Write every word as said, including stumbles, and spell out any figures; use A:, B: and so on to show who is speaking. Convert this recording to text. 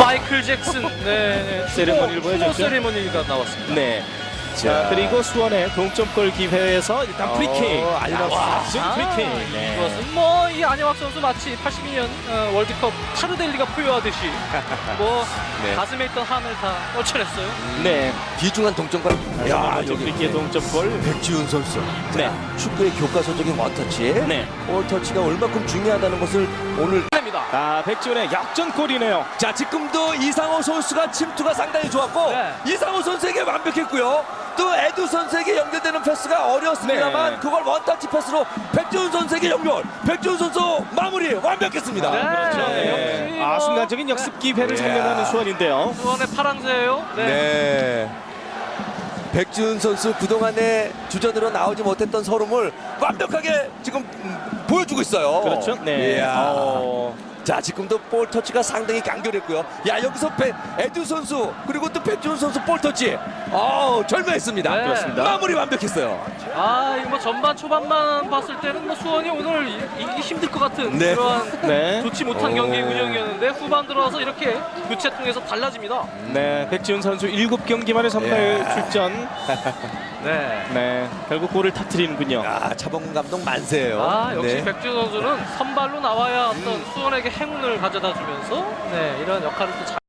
A: 마이클 잭슨 네,
B: 세레머니를
A: 추모
B: 보여줬죠.
A: 세레머니가 나왔습니다.
B: 네. 자, 그리고 수원의 동점골 기회에서 일단
C: 어,
B: 프리킥.
C: 안녕하세요.
B: 와,
A: 아,
B: 프리킥. 네.
A: 이것은 뭐 이 안영학 선수 마치 팔십이 년 어, 월드컵 타르델리가 포효하듯이 뭐
C: 네.
A: 가슴에 있던 한을 다 떨쳐냈어요.
B: 네.
C: 귀중한 동점골.
B: 야, 여기 프리킥의 동점골.
C: 백지훈 선수.
B: 네.
C: 축구의 교과서적인 원터치.
B: 네.
C: 볼터치가 얼마큼 중요하다는 것을 오늘.
A: 됩니다.
B: 아, 백지훈의 역전골이네요.
C: 자, 지금도 이상호 선수가 침투가 상당히 좋았고
A: 네.
C: 이상호 선수에게 완벽했고요. 또 에두 선수에게 연결되는 패스가 어려웠습니다만
B: 네.
C: 그걸 원터치 패스로 백지훈 선수에게 연결. 백지훈 선수 마무리 완벽했습니다.
A: 네.
B: 그렇죠. 네.
A: 역시
B: 아,
A: 뭐,
B: 순간적인 역습 기회를
C: 네.
B: 살려내는 수원인데요.
A: 수원의 파랑새예요. 네.
C: 네. 백지훈 선수 그동안에 주전으로 나오지 못했던 서름을 완벽하게 지금 음, 보여주고 있어요.
B: 그렇죠. 네.
C: 이야.
B: 어,
C: 자, 지금도 볼 터치가 상당히 간결했고요. 야, 여기서 배, 에두 선수 그리고 또 백지훈 선수 볼 터치. 어, 절묘했습니다.
A: 네.
B: 그렇습니다.
C: 마무리 완벽했어요.
A: 아 이거 뭐 전반 초반만 봤을 때는 뭐 수원이 오늘 이- 이기기 힘들 것 같은
C: 네.
A: 그러한
B: 네.
A: 좋지 못한
C: 오.
A: 경기 운영이었는데 후반 들어와서 이렇게 교체 통해서 달라집니다.
B: 네. 백지훈 선수 일곱 경기 만에 선발
C: 야.
B: 출전.
A: 네.
B: 네. 결국 골을 터뜨리는군요.
C: 아, 차범근 감독 만세예요.
A: 아 역시
C: 네.
A: 백지훈 선수는 선발로 나와야 어떤 수원에게 행운을 가져다 주면서 네 이런 역할을 또 잘.